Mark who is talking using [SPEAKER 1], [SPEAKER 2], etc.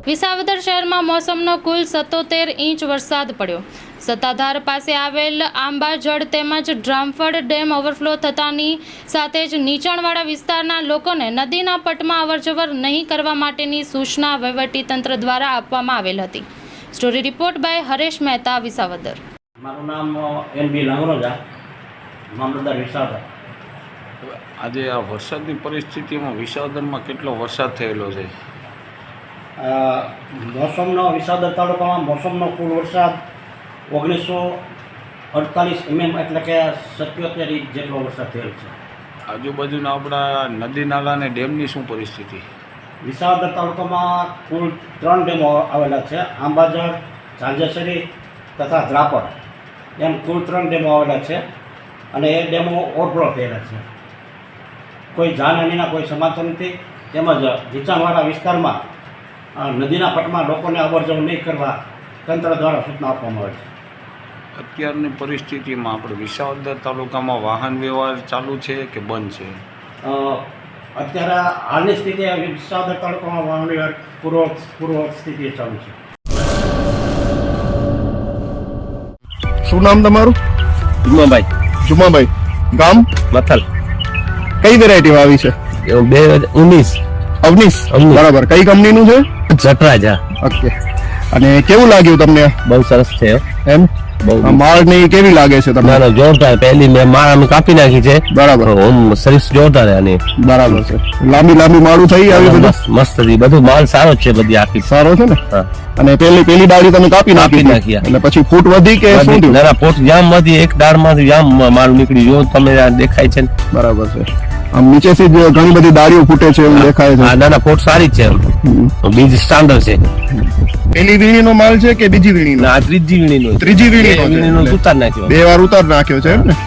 [SPEAKER 1] વિસાવદર શહેરમાં મોસમનો કુલ 77 ઇંચ વરસાદ પડ્યો। સત્તાધાર પાસે આવેલ આંબાજળ તેમજ ડ્રામફળ ડેમ ઓવરફ્લો થતાની સાથે જ નીચાણવાળા વિસ્તારના લોકોને નદીના પટમાં અવરજવર નહીં કરવા માટેની સૂચના વહીવટીતંત્ર દ્વારા આપવામાં આવેલ હતી। Story report by Haresh Mehta, Visavadar.
[SPEAKER 2] મારું નામ એનબી લાંગરોજા, મામલતદાર વિસાવદર।
[SPEAKER 3] આજે આ વરસાદની પરિસ્થિતિમાં વિસાવદરમાં કેટલો વરસાદ થયેલો છે?
[SPEAKER 2] મોસમનો વિસાવદર તાલુકામાં મોસમનો કુલ વરસાદ 1948 mm એટલે કે 77 ઇંચ જેટલો વરસાદ થયેલ છે।
[SPEAKER 3] આજુબાજુના આપણા નદી નાલા અને ડેમની શું પરિસ્થિતિ?
[SPEAKER 2] વિસાવદર તાલુકામાં કુલ 3 ડેમો આવેલા છે, આંબાજળ, ઝાંઝેસરી તથા દ્રાપર, એમ કુલ 3 ડેમો આવેલા છે અને એ ડેમો ઓવરફ્લો થયેલા છે। કોઈ જાનહાનિના કોઈ સમાચાર નથી, તેમજ નીચાણવાળા વિસ્તારમાં નદીના પટમાં લોકોને અવરજવર નહીં કરવા તંત્ર દ્વારા સૂચના આપવામાં આવે છે।
[SPEAKER 3] અત્યારની પરિસ્થિતિમાં આપણે વિસાવદર તાલુકામાં વાહન વ્યવહાર ચાલુ છે કે બંધ છે?
[SPEAKER 2] અત્યારે હાલની સ્થિતિ વિસાવદર તાલુકામાં વાહન વ્યવહાર પૂર્વ સ્થિતિએ ચાલુ છે।
[SPEAKER 4] શું નામ તમારું? જુમાભાઈ, ગામ
[SPEAKER 5] મથલ,
[SPEAKER 4] કઈ વેરાયટી આવી છે?
[SPEAKER 5] 2019
[SPEAKER 4] અવનીશ, બરાબર। કઈ કંપનીનું છે?
[SPEAKER 5] જટરાજા।
[SPEAKER 4] ઓકે, અને કેવું લાગ્યું તમને?
[SPEAKER 5] બહુ સરસ છે
[SPEAKER 4] એમ
[SPEAKER 5] બહુ
[SPEAKER 4] માળ ની કેવી લાગે છે તમને?
[SPEAKER 5] ના જોરદાર, પહેલી મેં માળ અમે કાપી નાખી છે,
[SPEAKER 4] બરાબર।
[SPEAKER 5] સર્વિસ જોરદાર આની,
[SPEAKER 4] બરાબર છે। લાંબી માળું થઈ આવી બધું
[SPEAKER 5] મસ્ત હતી, બધું માલ સારો છે, બધી આખી
[SPEAKER 4] સારો છે ને?
[SPEAKER 5] હા।
[SPEAKER 4] અને પેલી ડાળી તમે કાપી નાખી
[SPEAKER 5] નાખી,
[SPEAKER 4] એટલે પછી ફૂટ વધી કે શું થયું?
[SPEAKER 5] ના પોટ જામ માંથી એક દાળ માંથી જામ માલ નીકળી, જો તમે દેખાય છે ને?
[SPEAKER 4] બરાબર છે। આમ નીચેથી જ ઘણી બધી ડાળીઓ ફૂટે છે એવું દેખાય છે।
[SPEAKER 5] ના પોટ સારી જ છે, બીજ સ્ટાન્ડર્ડ છે।
[SPEAKER 4] પેલી વીણીનો માલ છે કે બીજી વીણીનો?
[SPEAKER 5] ના ત્રીજી વીણીનો
[SPEAKER 4] ત્રીજી વીણીનો
[SPEAKER 5] ઉતાર નાખ્યો,
[SPEAKER 4] 2 વાર ઉતાર નાખ્યો છે એમ ને?